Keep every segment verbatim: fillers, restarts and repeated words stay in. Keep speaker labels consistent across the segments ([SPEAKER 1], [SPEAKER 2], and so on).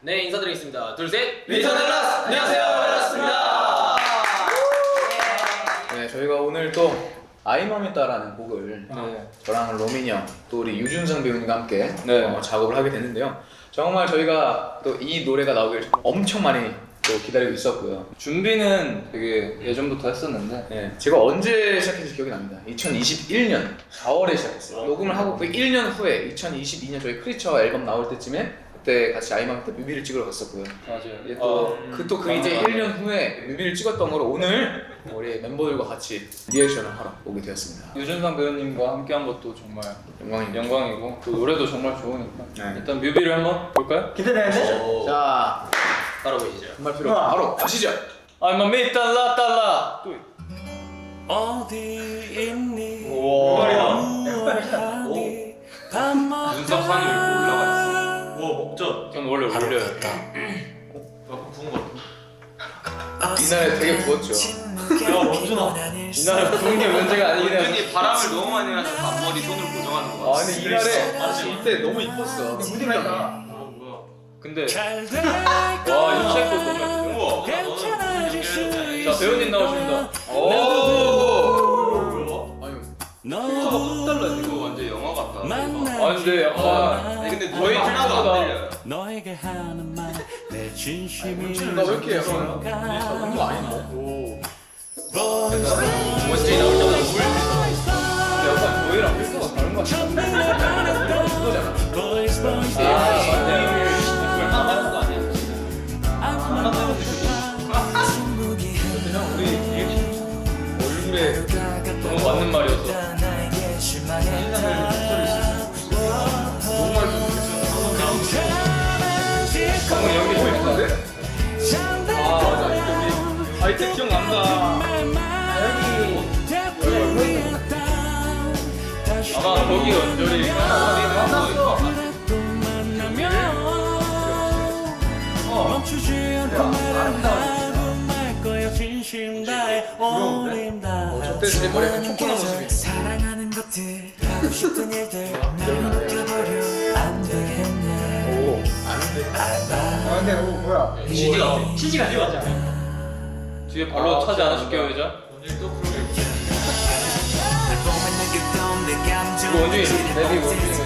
[SPEAKER 1] 네, 인사드리겠습니다. 둘, 셋!
[SPEAKER 2] 리턴 앨라스! 안녕하세요, 앨라스입니다.
[SPEAKER 3] 네, 저희가 오늘 또 아이맘이다라는 곡을
[SPEAKER 2] 네.
[SPEAKER 3] 저랑 로민이 형, 또 우리 유준상 배우님과 함께
[SPEAKER 2] 네.
[SPEAKER 3] 어, 작업을 하게 됐는데요. 정말 저희가 또 이 노래가 나오길 엄청 많이 또 기다리고 있었고요.
[SPEAKER 2] 준비는 되게 예전부터 했었는데
[SPEAKER 3] 네, 제가 언제 시작했는지 기억이 납니다. 이천이십일 년 사월에 시작했어요. 녹음을 하고 그 일 년 후에 이천이십이 년 저희 크리처 앨범 나올 때쯤에 그때 같이 아이맘 때 뮤비를 찍으러 갔었고요.
[SPEAKER 2] 맞아요.
[SPEAKER 3] 또그 또 그 이제 일 년 후에 뮤비를 찍었던 거로 오늘 우리 멤버들과 같이 리액션을 하러 오게 되었습니다.
[SPEAKER 2] 유준상 배우님과 함께한 것도 정말
[SPEAKER 3] 영광입니다.
[SPEAKER 2] 영광이고 또 노래도 정말 좋으니까
[SPEAKER 3] 네.
[SPEAKER 2] 일단 뮤비를 한번 볼까요?
[SPEAKER 1] 기대되는데?
[SPEAKER 3] 자,
[SPEAKER 1] 바로 보시죠.
[SPEAKER 3] 정말 필요 없 바로 가시죠.
[SPEAKER 2] I'm a me 달라 달라 또
[SPEAKER 4] 어디 있니?
[SPEAKER 2] 우와
[SPEAKER 1] 눈썹 산이 왜 이렇게 올라가 있어? 우와, 목젖.
[SPEAKER 2] 전 원래 올려요.
[SPEAKER 1] 약간 부은 거 같아.
[SPEAKER 3] 이날에 되게 부었죠.
[SPEAKER 1] 야, 원준아.
[SPEAKER 2] 이날에 부은 게 문제가 아니긴 해.
[SPEAKER 1] 원준이 바람을 너무 많이 해서 앞머리 손으로 고정하는 거
[SPEAKER 3] 아
[SPEAKER 1] 같아.
[SPEAKER 3] 근데 이날에 사실 이때 너무 이뻤어.
[SPEAKER 1] 무대가. 아, 뭐야.
[SPEAKER 2] 근데
[SPEAKER 4] 잘될
[SPEAKER 2] 와 인체도 너무 예쁘죠?
[SPEAKER 1] 우와,
[SPEAKER 4] 괜찮아질 수 있어.
[SPEAKER 2] 자 배우님 나오십니다.
[SPEAKER 3] 오.
[SPEAKER 1] 뭐야?
[SPEAKER 3] 아유.
[SPEAKER 4] 너
[SPEAKER 1] 달라. 이거 완전 영화 같다.
[SPEAKER 4] 만나
[SPEAKER 2] 아 근데 약간
[SPEAKER 1] 아니, 근데
[SPEAKER 2] 저희
[SPEAKER 1] 저희 하나도 안
[SPEAKER 2] 팀보다
[SPEAKER 1] 들려요.
[SPEAKER 4] 너에게 하는 말내 진심이
[SPEAKER 3] 나 왜 이렇게 약간 작은 거 아닌데?
[SPEAKER 2] 오
[SPEAKER 1] 원준이 나올 때마다 물.
[SPEAKER 2] 약간 저희랑 필터가 다른 거 같아.
[SPEAKER 3] 그거잖아.
[SPEAKER 4] Boys, boys,
[SPEAKER 2] 아 맞네.
[SPEAKER 1] 얼마 하는 거 아니야?
[SPEAKER 3] 그냥 우리 얼굴에
[SPEAKER 2] 너무 맞는 말이었어.
[SPEAKER 3] 너무 많이 좋겠어.
[SPEAKER 2] 방금 연기 재밌었는데?
[SPEAKER 3] 아 맞아. 이때 우리 아이템 기억난다.
[SPEAKER 2] 아마 거기 연절이
[SPEAKER 4] 멈추지 않고 말하고 말 거야 진심 다해 올린다
[SPEAKER 3] 저때 제 머리에 약간 초코나 모습이.
[SPEAKER 4] 사랑하는 것들 하고 싶은 일들 날 느껴버려 안 되겠네
[SPEAKER 3] 오. 안 돼.
[SPEAKER 5] 아 근데 뭐 뭐야?
[SPEAKER 1] 지지가.
[SPEAKER 5] 치즈가 찍었지 않아?
[SPEAKER 2] 뒤에 발로 차지 않으실게요 의자?
[SPEAKER 1] 원준이 또 그러게.
[SPEAKER 2] 이거 원준이 랩이 원준이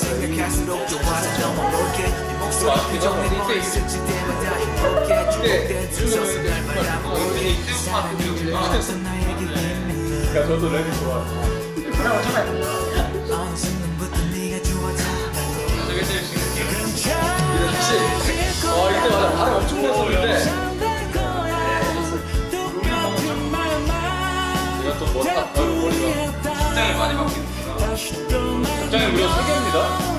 [SPEAKER 1] 원준이 이때부터 안 들리고.
[SPEAKER 2] 그러니까 저도 랩이 좋아.
[SPEAKER 5] 그럼 처음에
[SPEAKER 1] 저게 제일 신기해.
[SPEAKER 3] 아 이때 맞아. 발음 엄청 났었는데.
[SPEAKER 2] 제가 또 멋다 머리가
[SPEAKER 1] 입장이 많이 바뀌는구나.
[SPEAKER 2] 갑자기 무려 세 개입니다.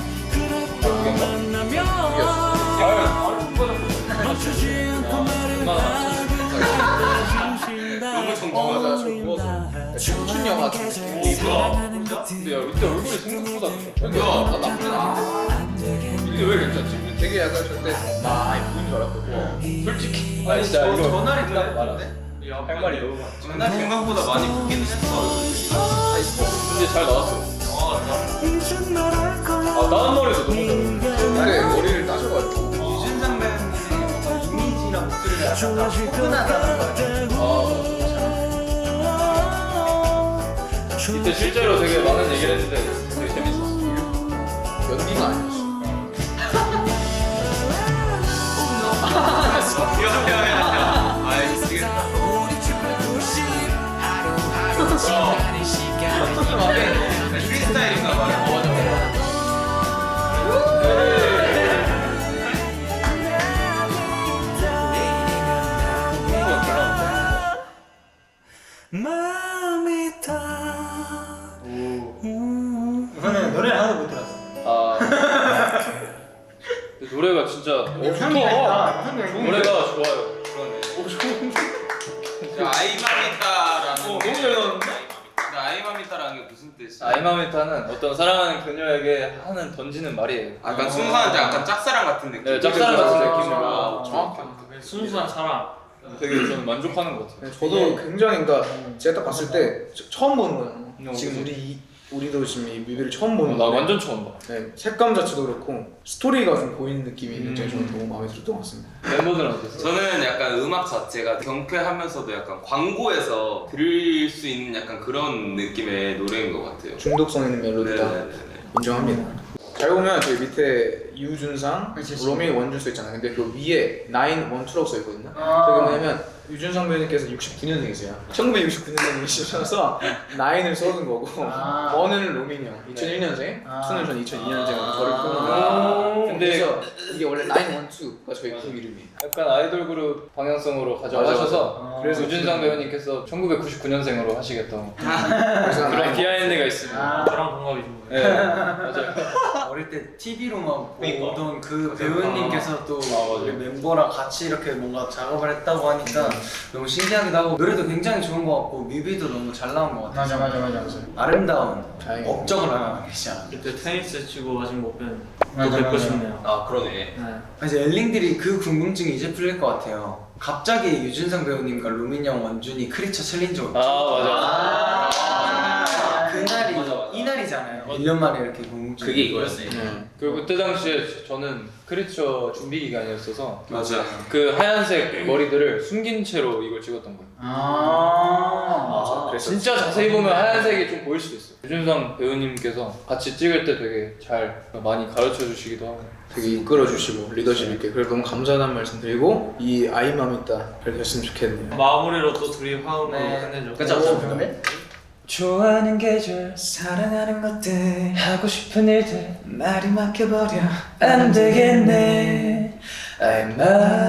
[SPEAKER 1] 너무
[SPEAKER 3] 맞아. 저
[SPEAKER 1] 정중하다.
[SPEAKER 3] 누워서 춤춘 영화 같은 느낌.
[SPEAKER 1] 뭐야?
[SPEAKER 2] 근데 야 이때 얼굴이 생각보다
[SPEAKER 3] 야, 나 나쁘지 않아.
[SPEAKER 2] 이게 왜 괜찮지?
[SPEAKER 3] 되게 약간 저때 많이 보인 줄 알았거든.
[SPEAKER 2] 솔직히 아니 진짜 이거
[SPEAKER 1] 전날이
[SPEAKER 2] 말아.
[SPEAKER 1] 많은데?
[SPEAKER 2] 할 말이 너무 많아.
[SPEAKER 1] 전날 생각보다 많이 바뀌긴 했어.
[SPEAKER 2] 근데 잘 나왔어.
[SPEAKER 1] 어,
[SPEAKER 2] 아 나는 머리도 너무 잘해.
[SPEAKER 3] 근데 머리를 따셔가지고.
[SPEAKER 1] 유진상 배우님의 이미지랑 목소리가 약간 다 포근하다는 거야.
[SPEAKER 2] 아 이때 실제로 되게 많은 얘기를 했는데 되게 재밌었어.
[SPEAKER 3] 연기가 아니었어.
[SPEAKER 1] 야야야야. 아이 미치겠다. 어떻게 말해? 프리스타일인가 봐.
[SPEAKER 4] 마음이 다
[SPEAKER 5] 우선은 노래를 하나도 못 들었어.
[SPEAKER 2] 아 근데 노래가 진짜 어,
[SPEAKER 5] 향기가 있다.
[SPEAKER 2] 좋다.
[SPEAKER 5] 향기가 있다.
[SPEAKER 2] 노래가 좋아요.
[SPEAKER 1] 그러네.
[SPEAKER 2] 오 좋은데?
[SPEAKER 1] 아이마미타라는.
[SPEAKER 2] 어, 너무 잘 나왔는데?
[SPEAKER 1] 근데 아이마미타라는 게 무슨 뜻이야?
[SPEAKER 2] 아이마미타는 어떤 사랑하는 그녀에게 하는 던지는 말이에요.
[SPEAKER 1] 약간 순수한 약간 짝사랑 같은 느낌.
[SPEAKER 2] 네, 짝사랑 같은 느낌으로.
[SPEAKER 1] 아,
[SPEAKER 3] 정확해.
[SPEAKER 5] 순수한 사랑.
[SPEAKER 2] 되게 저는 만족하는 것 같아요.
[SPEAKER 3] 저도 굉장히 그러니까 제가 딱 봤을 때 저- 처음 보는 거예요.
[SPEAKER 2] 어,
[SPEAKER 3] 지금
[SPEAKER 2] 그치.
[SPEAKER 3] 우리 이, 우리도 지금 이 뮤비를 처음 보는
[SPEAKER 2] 나
[SPEAKER 3] 건데
[SPEAKER 2] 완전 처음 봐.
[SPEAKER 3] 네, 색감 자체도 그렇고 스토리가 좀 보이는 느낌이
[SPEAKER 2] 음.
[SPEAKER 3] 굉장히 저는 너무 마음에 들었던 것 같습니다.
[SPEAKER 2] 멤버들은 어땠어?
[SPEAKER 6] 저는 약간 음악 자체가 경쾌하면서도 약간 광고에서 들을 수 있는 약간 그런 느낌의 노래인 것 같아요.
[SPEAKER 3] 중독성 있는 멜로디다.
[SPEAKER 6] 네네네.
[SPEAKER 3] 인정합니다. 잘 보면 저기 밑에 유준상,
[SPEAKER 5] 그치,
[SPEAKER 3] 로미 원준 써 있잖아요. 근데 그 위에 나인 원투라고 써 있거든요.
[SPEAKER 5] 아.
[SPEAKER 3] 저게 뭐냐면 유준상 배우님께서 육십구 년생이세요. 천구백육십구 년생이셔서 나인을 써둔 거고
[SPEAKER 5] 아.
[SPEAKER 3] 원은 로민이 형, 이천일 년생,
[SPEAKER 5] 아.
[SPEAKER 3] 투는 전 이천이 년생으으로 저를
[SPEAKER 2] 아.
[SPEAKER 3] 표현한
[SPEAKER 2] 근데-
[SPEAKER 3] 그래서 이게 원래 나인 원투가 저희 그룹 이름이에요.
[SPEAKER 2] 약간 아이돌 그룹 방향성으로 가져가셔서
[SPEAKER 5] 맞아.
[SPEAKER 2] 그래서
[SPEAKER 5] 아.
[SPEAKER 2] 유준상 배우님께서 천구백구십구 년생으로 하시겠다고
[SPEAKER 3] 그래서
[SPEAKER 2] 그런
[SPEAKER 3] 나인
[SPEAKER 2] 비하인드가 있습니다.
[SPEAKER 5] 아,
[SPEAKER 7] 저랑 동갑이죠.
[SPEAKER 2] 네, 맞아요.
[SPEAKER 5] 어릴 때 티비로만
[SPEAKER 7] 그러니까.
[SPEAKER 5] 보던 그 배우님께서 또
[SPEAKER 2] 아, 맞아요.
[SPEAKER 5] 우리 멤버랑 같이 이렇게 뭔가 작업을 했다고 하니까 너무 신기하기도 하고 노래도 굉장히 좋은 것 같고 뮤비도 너무 잘 나온 것 같아요.
[SPEAKER 7] 맞아 맞아 맞아.
[SPEAKER 5] 아름다운
[SPEAKER 3] 다행이다.
[SPEAKER 5] 업적을 하나 계시잖아.
[SPEAKER 7] 그때 테니스 치고 아직 못 뵌. 또
[SPEAKER 5] 맞아,
[SPEAKER 7] 뵙고
[SPEAKER 5] 맞아.
[SPEAKER 7] 싶네요.
[SPEAKER 6] 아 그러네.
[SPEAKER 7] 네.
[SPEAKER 5] 이제 엘링들이 그 궁금증이 이제 풀릴 것 같아요. 갑자기 유준상 배우님과 루민 형, 원준이 크리처 챌린저
[SPEAKER 2] 아 맞아.
[SPEAKER 5] 아, 그날이
[SPEAKER 2] 맞아, 맞아.
[SPEAKER 5] 이날이잖아요. 일 년 만에 이렇게 궁금증.
[SPEAKER 6] 그게 이거였어요.
[SPEAKER 3] 네.
[SPEAKER 2] 그리고 그때 당시에 저는 크리처 준비 기간이었어서
[SPEAKER 6] 맞아.
[SPEAKER 2] 그 하얀색 머리들을 숨긴 채로 이걸 찍었던 거예요.
[SPEAKER 5] 아,
[SPEAKER 3] 그래서
[SPEAKER 2] 진짜 자세히 보면 하얀색이 좀 보일 수도 있어요. 유준상 배우님께서 같이 찍을 때 되게 잘 많이 가르쳐 주시기도 하고.
[SPEAKER 3] 되게 이끌어주시고 리더십 있게 그래서 너무 감사하다는 말씀 드리고 이 아이맘 있다 잘 됐으면 좋겠네요.
[SPEAKER 7] 마무리로 또 둘이 화음으로
[SPEAKER 5] 네.
[SPEAKER 7] 끝내죠.
[SPEAKER 5] 그쵸?
[SPEAKER 2] 좋아하는 계절,
[SPEAKER 4] 사랑하는 것들
[SPEAKER 2] 하고 싶은 일들
[SPEAKER 4] 말이 막혀버려
[SPEAKER 2] 안 되겠네.
[SPEAKER 4] I'm